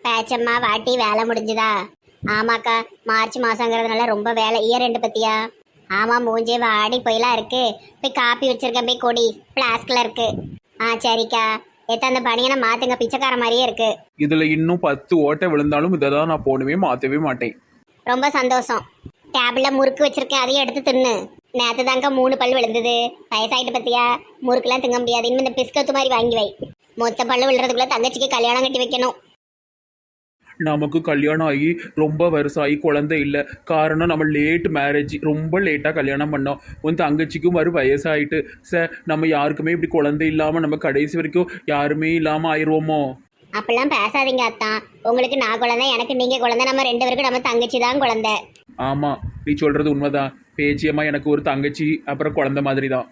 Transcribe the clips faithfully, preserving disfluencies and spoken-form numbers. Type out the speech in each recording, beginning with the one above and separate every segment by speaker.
Speaker 1: பேச்சம்மா வாட்டி வேலை முடிஞ்சுதா? ஆமாக்கா, மார்ச் மாசங்கிறதுனால ரொம்ப வேலை. இயர் ரெண்டு பத்தியா? ஆமா, மூஞ்சே வாடி போயெல்லாம் இருக்கு. போய் காப்பி வச்சிருக்கேன், போய் கொடி பிளாஸ்க்ல இருக்கு. ஆ சரிக்கா. எத்த அந்த பனியனை மாத்துங்க, பிச்சைக்கார மாதிரியே இருக்கு.
Speaker 2: இதுல இன்னும் பத்து ஓட்டை விழுந்தாலும் இதை தான் நான் போடவே மாற்றவே மாட்டேன்.
Speaker 1: ரொம்ப சந்தோஷம். டேபிள்ல முறுக்கு வச்சிருக்கேன், அதையும் எடுத்து தின்னு. நேற்று தாங்க மூணு பல் விழுந்தது. வயசாயிட்டு பத்தியா? முறுக்குலாம் திங்க முடியாது. இனிமே இந்த பிஸ்கத்து மாதிரி வாங்கி வை. மொத்த பல்லு விழுறதுக்குள்ள தங்கச்சிக்கு கல்யாணம் கட்டி வைக்கணும்.
Speaker 2: நமக்கு கல்யாணம் ஆகி ரொம்ப வருஷம் ஆகி குழந்தை இல்லை. காரணம் நம்ம லேட் மேரேஜ், ரொம்ப லேட்டாக கல்யாணம் பண்ணோம். உன் தங்கச்சிக்கும் வரும் வயசாயிட்டு சார், நம்ம யாருக்குமே இப்படி குழந்தை இல்லாமல் நம்ம கடைசி வரைக்கும் யாருமே இல்லாமல் ஆயிடுவோமோ?
Speaker 1: அப்படிலாம் பேசாதீங்க அத்தான். உங்களுக்கு நான் குழந்தை, எனக்கு நீங்க குழந்தை. நம்ம ரெண்டு பேருக்கும் நம்ம தங்கச்சி தான் குழந்தை.
Speaker 2: ஆமாம், நீ சொல்கிறது உண்மைதான் பேச்சியம்மா. எனக்கு ஒரு தங்கச்சி, அப்புறம் குழந்தை மாதிரி தான்.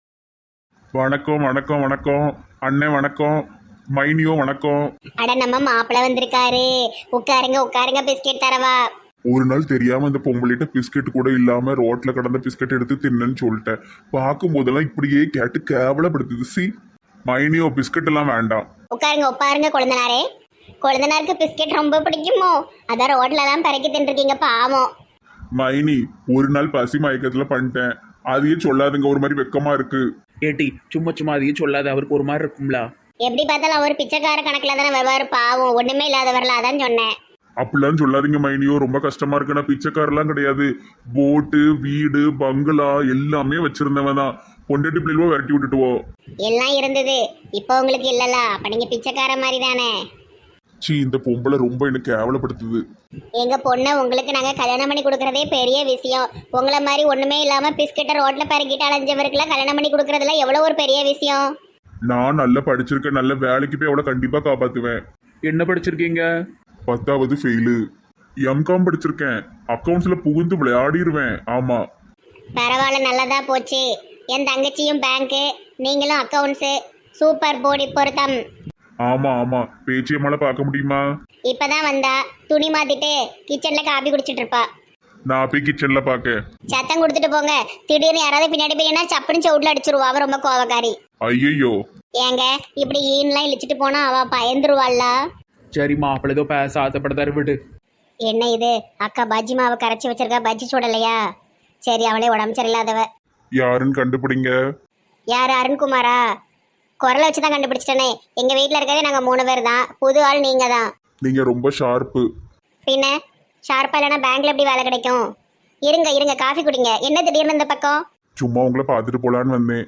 Speaker 3: வணக்கம் வணக்கம் வணக்கம் அண்ணே, வணக்கம் மைனியோ, வணக்கம்.
Speaker 1: அட, நம்ம மாப்பிள்ள வந்திருக்காரு. உட்காருங்க உட்காருங்க, பிஸ்கெட் தரவா?
Speaker 3: ஒரு நாள் தெரியாம இந்த பொம்பளைட்ட பிஸ்கெட் கூட இல்லாம ரோட்ல கடந்த பிஸ்கெட் எடுத்து தின்னன்னு சொல்லிட்டேன். பார்க்கும் போதெல்லாம் இப்படியே கேட்டு கேவலப்படுத்துது. சி மைனியோ, பிஸ்கட் எல்லாம் வேண்டாம்.
Speaker 1: உட்காருங்க உட்காருங்க கொழுந்தனாரே. கொழுந்தனாருக்கு பிஸ்கெட் ரொம்ப பிடிக்குமோ? அதான் ரோட்ல எல்லாம் பறக்கி தின்றுருக்கீங்க, பாவம்.
Speaker 3: மைனி, ஒரு நாள் பசி மயக்கத்துல பண்ணிட்டேன். அதையே சொல்லாதுங்க, ஒரு மாதிரி வெக்கமா இருக்கு.
Speaker 2: ஏட்டி, சும்மா சும்மா அதையும் சொல்லாத, அவருக்கு ஒரு மாதிரி இருக்கும்ல.
Speaker 1: எப்படி பார்த்தாலும் அவர் பிச்சைக்கார கணக்குல தானே வருவாரு, பாவம். ஒண்ணுமே இல்லாதவர்ல, அதான் சொன்னேன்.
Speaker 3: அப்படிலாம் சொல்லாதீங்க மைனியோ, ரொம்ப கஷ்டமா இருக்கு. நான் பிச்சைக்காரெல்லாம் கிடையாது. போட்டு, வீடு, பங்களா எல்லாமே வச்சிருந்தவன் தான். பொண்டாட்டி பிள்ளைவோ விரட்டி விட்டுட்டுவோ
Speaker 1: எல்லாம் இருந்தது. இப்போ உங்களுக்கு இல்லல, அப்ப நீங்க பிச்சைக்கார மாதிரி தானே.
Speaker 3: சி, இந்த பொம்பளை ரொம்ப எனக்கு கேவலப்படுத்துது.
Speaker 1: எங்க பொண்ணை உங்களுக்கு நாங்க கல்யாணம் பண்ணி கொடுக்கறதே பெரிய விஷயம். உங்களை மாதிரி ஒண்ணுமே இல்லாம பிஸ்கெட்டை ரோட்ல பறக்கிட்டு அலைஞ்சவருக்குலாம் கல்யாணம் பண்ணி கொடுக்கறதுல எவ்வளவு ஒரு பெரிய விஷயம்.
Speaker 3: நான் நல்லா படிச்சிருக்கேன், நல்ல வேலைக்கு போய் அவளை கண்டிப்பா காப்பாத்துவேன்.
Speaker 2: என்ன படிச்சிருக்கீங்க?
Speaker 3: பத்தாவது ஃபெயிலு. எம்காம் படிச்சிருக்கேன். அக்கௌண்ட்ஸ்ல புகுந்து விளையாடிடுவேன். ஆமா.
Speaker 1: பரவாயில்ல, நல்லதா போச்சு. என் தங்கச்சியும் பேங்க்கு, நீங்களும் அக்கௌண்ட்ஸு. சூப்பர் போடி பொருத்தம்.
Speaker 3: ஆமா ஆமா, பேச்சியம்மால பார்க்க முடியுமா?
Speaker 1: இப்பதான் வந்தா, துணி மாத்திட்டு கிச்சன்ல காபி குடிச்சிட்டு இருப்பா.
Speaker 3: நான் போய் கிச்சன்ல பாக்க.
Speaker 1: சத்தம் கொடுத்துட்டு போங்க. திடீர்னு யாராவது பின்னாடி போயினா சப்புன்னு சவுட்ல அடிச்சிருவா. அவ ரொம்ப கோவக்காரி.
Speaker 3: ஐயோ,
Speaker 1: ஏங்க இப்படி ஈன்லாம் இழிச்சிட்டு போனா அவ பயந்துருவாள்ல.
Speaker 2: சரிம்மா, அப்படி ஏதோ பேச ஆசைப்படுதாரு, விடு.
Speaker 1: என்ன இது, அக்கா பஜ்ஜி மாவை கரைச்சி வச்சிருக்கா, பஜ்ஜி சுடலையா? சரி, அவளே உடம்பு சரியில்லாதவ.
Speaker 3: யாருன்னு கண்டுபிடிங்க.
Speaker 1: யார்? அருண்குமாரா? குரலை வச்சுதான் கண்டுபிடிச்சிட்டனே. எங்க வீட்டுல இருக்கதே நாங்க மூணு பேர் தான். புது ஆள் நீங்க தான்.
Speaker 3: நீங்க ரொம்ப ஷார்ப்பு.
Speaker 1: பின்ன ஷார்ப்பா இல்லைன்னா பேங்க்ல எப்படி வேலை கிடைக்கும்? இருங்க இருங்க, காஃபி குடிங்க. என்ன திடீர்னு இந்த பக்கம்?
Speaker 3: சும்மா உங்களை பார்த்துட்டு போலான்னு வந்தேன்.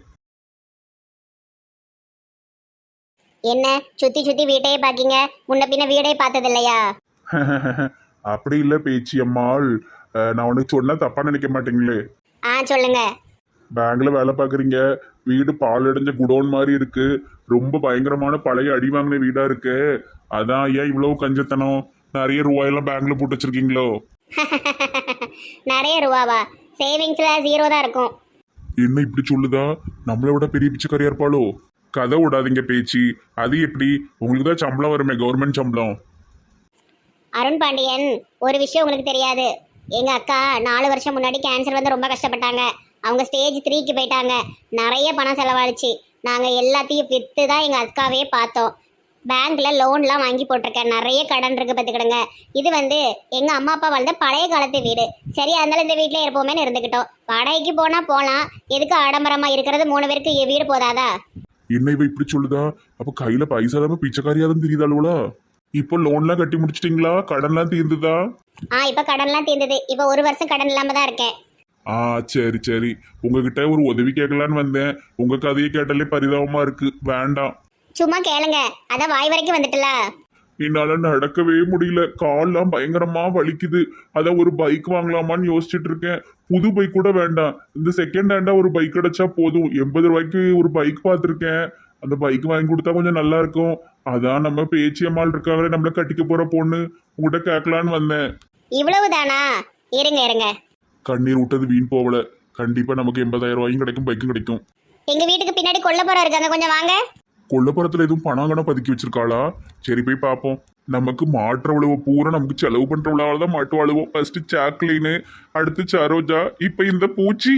Speaker 1: என்ன சுத்தி சுத்தி வீட்டையே பாக்கீங்க? முன்ன பின்ன வீடே பார்த்தது இல்லையா?
Speaker 3: அப்படி இல்ல பேச்சியம்மாள், நான் உனக்கு சொன்னா தப்பா நினைக்க மாட்டீங்களே?
Speaker 1: ஆ சொல்லுங்க.
Speaker 3: பேங்க்ல வேலை பாக்குறீங்க. வீடு பால் அடைஞ்ச குடோன் மாதிரி இருக்கு. ரொம்ப பயங்கரமான பழைய அடி வாங்கின வீடா இருக்கு. அதான் ஏன் இவ்வளவு கஞ்சத்தனம்? நிறைய ரூபாயெல்லாம் பேங்க்ல போட்டு வச்சிருக்கீங்களோ?
Speaker 1: நிறைய ரூபாவா? சேவிங்ஸ்ல ஜீரோ தான் இருக்கும்.
Speaker 3: என்ன இப்படி சொல்லுதா? நம்மளை விட பெரிய பிச்சைக்காரியா இருப்பாளோ? கதை விடாதீங்க பேச்சு. அது எப்படி? உங்களுக்கு தான் சம்பளம் வருமே, கவர்மெண்ட் சம்பளம்.
Speaker 1: அருண் பாண்டியன், ஒரு விஷயம் உங்களுக்கு தெரியாது. எங்க அக்கா நாலு வருஷம் முன்னாடி கேன்சர் வந்து ரொம்ப கஷ்டப்பட்டாங்க. அவங்க ஸ்டேஜ் த்ரீக்கு போயிட்டாங்க. நிறைய பணம் செலவழிச்சு நாங்க எல்லாத்தையும் வித்து தான் எங்க அக்காவே பார்த்தோம். பேங்க்ல லோன்லாம் வாங்கி போட்டிருக்கேன். நிறைய கடன் இருக்கு பார்த்துக்கிடுங்க. இது வந்து எங்க அம்மா அப்பா வாழ்ந்த பழைய காலத்து வீடு. சரி, அதனால இந்த வீட்டில் இருப்போமேன்னு இருந்துக்கிட்டோம். வாடகைக்கு போனா போகலாம். எதுக்கு ஆடம்பரமா இருக்கிறது? மூணு பேருக்கு வீடு போதாதா?
Speaker 3: என்ன இவ இப்படி சொல்லுதா? அப்ப கையில பைசா இல்லாம பிச்சைக்காரியாதான் தெரியுதாளுவலா? இப்போ லோன்லாம் கட்டி முடிச்சிட்டீங்களா? கடன்லாம் தீர்ந்துதா?
Speaker 1: ஆ, இப்ப கடன்லாம் தீர்ந்தது. இப்ப ஒரு வருஷம் கடன் இல்லாம தான் இருக்கேன்.
Speaker 3: ஆ சரி சரி, உங்ககிட்ட ஒரு உதவி கேட்கலான்னு வந்தேன். உங்க கதையை கேட்டாலே பரிதாபமா இருக்கு. வேண்டாம்,
Speaker 1: சும்மா கேளுங்க. அதான் வாய் வரைக்கும் வந்துட்டுல.
Speaker 3: என்னால நடக்கவே முடியல. கால்லாம் பயங்கரமா வலிக்குது. அதான் ஒரு பைக் வாங்கலாமான்னு யோசிச்சுட்டு இருக்கேன். புது பைக் கூட வேண்டாம், இந்த செகண்ட் ஹேண்டா ஒரு பைக் கிடைச்சா போதும். எண்பது ரூபாய்க்கு ஒரு பைக் பார்த்துருக்கேன். அந்த பைக் வாங்கி கொடுத்தா கொஞ்சம் நல்லா இருக்கும். அதான் நம்ம பேச்சியம்மாள் இருக்காங்களே, நம்மள கட்டிக்க போற பொண்ணு, உங்ககிட்ட கேட்கலான்னு வந்தேன்.
Speaker 1: இவ்வளவுதானா? இருங்க இருங்க.
Speaker 3: கண்ணீர் விட்டது வீண் போகல. கண்டிப்பா நமக்கு எண்பதாயிரம் ரூபாயும் கிடைக்கும், பைக்கும் கிடைக்கும்.
Speaker 1: எங்க வீட்டுக்கு பின்னாடி கொல்லப்புறம் இருக்காங்க, கொஞ்சம் வாங்க.
Speaker 3: கொல்லப்புறத்துல எதுவும் பணங்கணம் பதுக்கி வச்சிருக்காளா? சரி, போய் பார்ப்போம். நமக்கு மாற்ற உழவு பூரா நமக்கு செலவு பண்ற உழவால தான் மாட்டு அழுவோம். ஃபர்ஸ்ட் சாக்லின்னு, அடுத்து சரோஜா, இப்ப இந்த பூச்சி.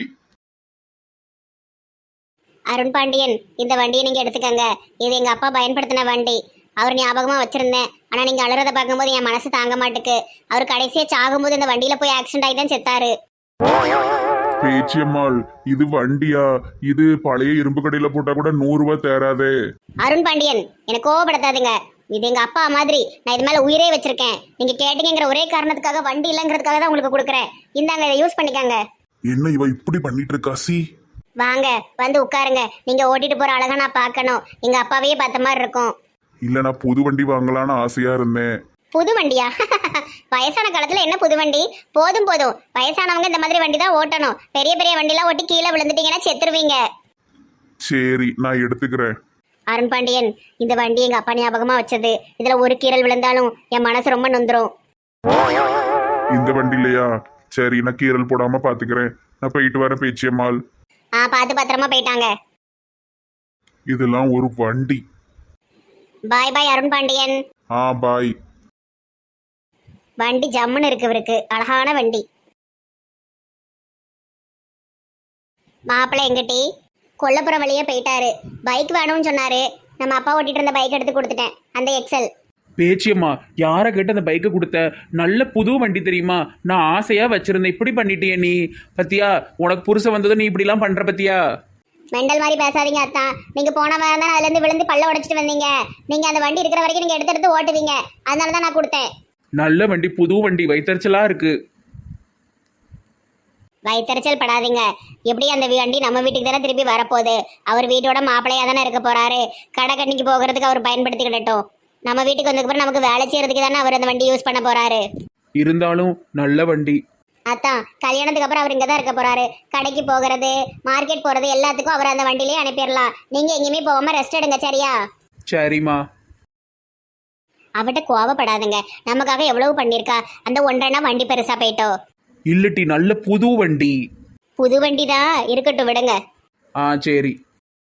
Speaker 1: அருண் பாண்டியன், இந்த வண்டியை நீங்க எடுத்துக்கங்க. இது எங்க அப்பா பயன்படுத்தின வண்டி. அவர் ஞாபகமா வச்சிருந்தேன். ஆனா நீங்க அழுறத பார்க்கும்போது என் மனசு தாங்க மாட்டுக்கு. அவர் கடைசியா சாகும்போது இந்த வண்டியில போய் ஆக்சிடென்ட் ஆகி தான் செத்தாரு.
Speaker 3: பேச்சியம்மாள், இது வண்டியா? இது பழைய இரும்பு கடையில போட்டா கூட நூறு ரூபாய் தேராதே.
Speaker 1: அருண் பாண்டியன், எனக்கு கோவப்படுத்தாதுங்க. இது எங்க அப்பா மாதிரி. நான் இது மேல உயிரே வச்சிருக்கேன். நீங்க கேட்டீங்கிற ஒரே காரணத்துக்காக வண்டி இல்லைங்கிறதுக்காக தான் உங்களுக்கு கொடுக்குறேன். இந்தாங்க, இதை யூஸ் பண்ணிக்காங்க.
Speaker 3: என்ன இவ இப்படி பண்ணிட்டு இருக்கா? சி
Speaker 1: வாங்க, வந்து உட்காருங்க. நீங்க ஓட்டிட்டு போற அழகா நான் பார்க்கணும். எங்க அப்பாவையே பார்த்த மாதிரி இருக்கும்.
Speaker 3: இல்ல, நான் புது வண்டி வாங்கலான்னு ஆசையா இருந்தேன்.
Speaker 1: புது வண்டியா? வயசான காலத்துல என்ன புது வண்டி? போதும் போதும். வயசானவங்க இந்த மாதிரி வண்டி தான் ஓட்டணும். பெரிய பெரிய வண்டிலாம் ஓட்டி கீழே விழுந்துட்டீங்கன்னா செத்துருவீங்க.
Speaker 3: சரி, நான் எடுத்துக்கிறேன்.
Speaker 1: அருண் பாண்டியன், இந்த வண்டி எங்க அப்பா ஞாபகமா வச்சது. இதுல ஒரு கீறல் விழுந்தாலும் என் மனசு ரொம்ப நொந்துரும்.
Speaker 3: இந்த வண்டி இல்லையா? சரி, நான் கீரல் போடாம பாத்துக்கிறேன். நான் போயிட்டு வரேன் பேச்சியம்மாள்.
Speaker 1: ஆ, பார்த்து பத்திரமா போயிட்டாங்க.
Speaker 3: இதெல்லாம் ஒரு வண்டி.
Speaker 1: பாய் பாய் அருண் பாண்டியன்.
Speaker 3: ஆ, பாய்.
Speaker 1: வண்டி ஜம்முன்னு இருக்கு இவருக்கு. அழகான வண்டி. மாப்பிள்ளை எங்கிட்டி கொல்லப்புறம் வழியே போயிட்டாரு. பைக் வேணும்னு சொன்னாரு. நம்ம அப்பா ஓட்டிட்டு இருந்த பைக் எடுத்து கொடுத்துட்டேன், அந்த எக்ஸல்.
Speaker 2: பேச்சியம்மா, யாரை கேட்டு அந்த பைக்கை கொடுத்த? நல்ல புது வண்டி தெரியுமா? நான் ஆசையா வச்சிருந்தேன். இப்படி பண்ணிட்டியே நீ. பத்தியா, உனக்கு புருஷன் வந்ததும் நீ இப்படிலாம் பண்ற பத்தியா?
Speaker 1: மெண்டல் மாதிரி பேசாதீங்க அத்தான். நீங்க போன வாரம் தான் அதுல இருந்து விழுந்து பல்ல உடைச்சிட்டு வந்தீங்க. நீங்க அந்த வண்டி இருக்கிற வரைக்கும் நீங்க எடுத்து எடுத்து ஓட்டுவீங்க. அதனால தான் நான் கொடுத்தேன்.
Speaker 2: நல்ல வண்டி, புது வண்டி, வைத்தறிச்சலா இருக்கு.
Speaker 1: வயிற்றுச்சல் படாதீங்க. எப்படி அந்த வண்டி நம்ம வீட்டுக்கு தானே திருப்பி வரப்போகுது. அவர் வீட்டோட மாப்பிள்ளையா தானே இருக்க போறாரு. கடை கண்ணிக்கு போகிறதுக்கு அவர் பயன்படுத்திக்கிட்டோம். நம்ம வீட்டுக்கு வந்ததுக்கப்புறம் நமக்கு வேலை செய்யறதுக்கு தானே அவர் அந்த வண்டி யூஸ் பண்ண போறாரு.
Speaker 2: இருந்தாலும் நல்ல வண்டி.
Speaker 1: அதான் கல்யாணத்துக்கு அப்புறம் அவர் இங்கே தான் இருக்க போறாரு. கடைக்கு போகிறது, மார்க்கெட் போறது எல்லாத்துக்கும் அவர் அந்த வண்டியிலே அனுப்பிடலாம். நீங்க எங்கேயுமே போகாம ரெஸ்ட் எடுங்க, சரியா?
Speaker 2: சரிம்மா.
Speaker 1: அவட்ட கோவப்படாதுங்க. நமக்காக எவ்வளவு பண்ணிருக்கா. அந்த ஒன்றரைனா வண்டி பெருசா போயிட்டோம்.
Speaker 2: இல்லட்டி நல்ல புது வண்டி.
Speaker 1: புது வண்டி தான் இருக்கட்டும், விடுங்க.
Speaker 2: ஆ, சரி.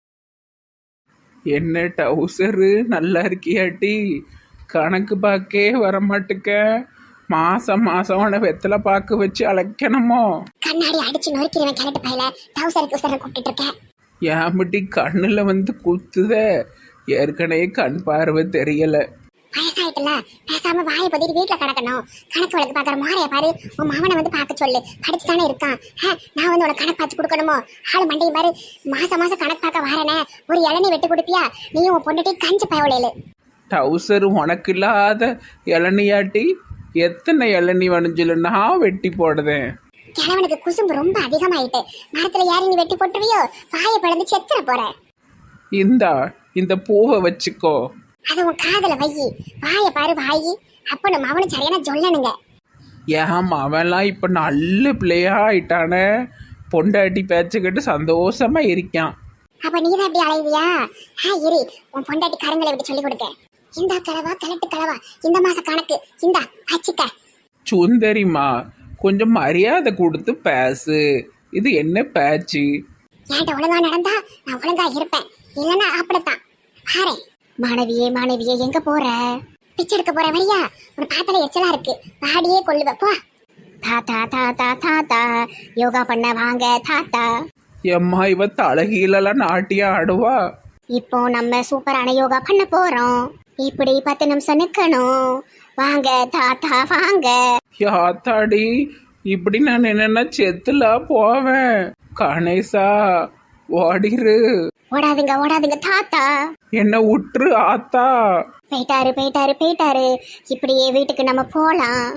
Speaker 2: என்ன டவுசரு நல்லா இருக்கியாட்டி? கணக்கு பாக்கே வரமாட்டுக்க. மாசம் மாசம் உன வெத்தலை பாக்கு வச்சு அழைக்கணுமோ?
Speaker 1: கண்ணாடி அடிச்சு நொறுக்கிறவன் கிளட்டு பையில டவுசருக்கு உசர கூப்பிட்டு இருக்கேன்.
Speaker 2: ஏமிட்டி கண்ணுல வந்து குத்துத? ஏற்கனவே கண் பார்வை தெரியல.
Speaker 1: வயசாயிட்டுல பேசாம வாயை பதிட்டு வீட்டுல கிடக்கணும். கணக்கு வழக்கு பாக்குற மாறைய பாரு. உன் மாவனை வந்து பார்க்க சொல்லு. படிச்சுதானே இருக்கான். நான் வந்து உனக்கு கணக்கு பார்த்து கொடுக்கணுமோ? ஆளு மண்டையும் பாரு. மாசம் மாசம் கணக்கு பார்க்க வாரனே. ஒரு இளநீ வெட்டி கொடுப்பியா? நீயும் உன் பொண்ணுட்டி கஞ்சி பயவலையில.
Speaker 2: டவுசர் உனக்கு இல்லாத இளநியாட்டி? எத்தனை இளநீ வணிஞ்சில நான் வெட்டி போடுதேன்.
Speaker 1: கிழவனுக்கு குசும்பு ரொம்ப அதிகமாயிட்டு. மரத்துல ஏறி நீ வெட்டி போட்டுருவியோ? வாயை பிளந்து செத்துற போற.
Speaker 2: இந்தா, இந்த பூவை வச்சுக்கோ.
Speaker 1: அது உன் காதல வை. வாயை பாரு வாயி. அப்ப நம்ம அவனு சரியான சொல்லணுங்க.
Speaker 2: ஏன் அவன்லாம் இப்ப நல்ல பிள்ளையா ஆயிட்டானே. பொண்டாட்டி பேச்சுக்கிட்டு சந்தோஷமா இருக்கான்.
Speaker 1: அப்ப நீதான் எப்படி அலைவியா? ஹா, இரு, உன் பொண்டாட்டி கருங்களை விட்டு சொல்லி கொடுக்க. இந்த கலவா கலட்டு கலவா இந்த மாச கணக்கு இந்த அச்சிக்க.
Speaker 2: சுந்தரிமா, கொஞ்சம் மரியாதை கொடுத்து பேசு. இது என்ன பேச்சு?
Speaker 1: ஏன்ட்ட ஒழுங்கா நடந்தா நான் ஒழுங்கா இருப்பேன். இல்லைன்னா அப்படித்தான். பாரு மாணவியே, மாணவியே எங்க போற? பிச்சை எடுக்க போற வரியா? உன பார்த்தாலே எச்சலா இருக்கு. பாடியே கொள்ளுவ போ. தாத்தா தாத்தா தாத்தா யோகா பண்ண வாங்க தாத்தா.
Speaker 2: எம்மா, இவ தலகீழலாம் நாட்டியம் ஆடுவா.
Speaker 1: இப்போ நம்ம சூப்பரான யோகா பண்ண போறோம். இப்படி பத்து நிமிஷம் நிக்கணும். வாங்க தாத்தா வாங்க.
Speaker 2: யாத்தாடி, இப்படி நான் என்னன்னா செத்துல போவேன். கணேசா, ஓடிரு.
Speaker 1: ஓடாதுங்க ஓடாதுங்க தாத்தா.
Speaker 2: என்ன உற்று ஆத்தா.
Speaker 1: போயிட்டாரு போயிட்டாரு போயிட்டாரு. இப்படியே வீட்டுக்கு நம்ம போலாம்.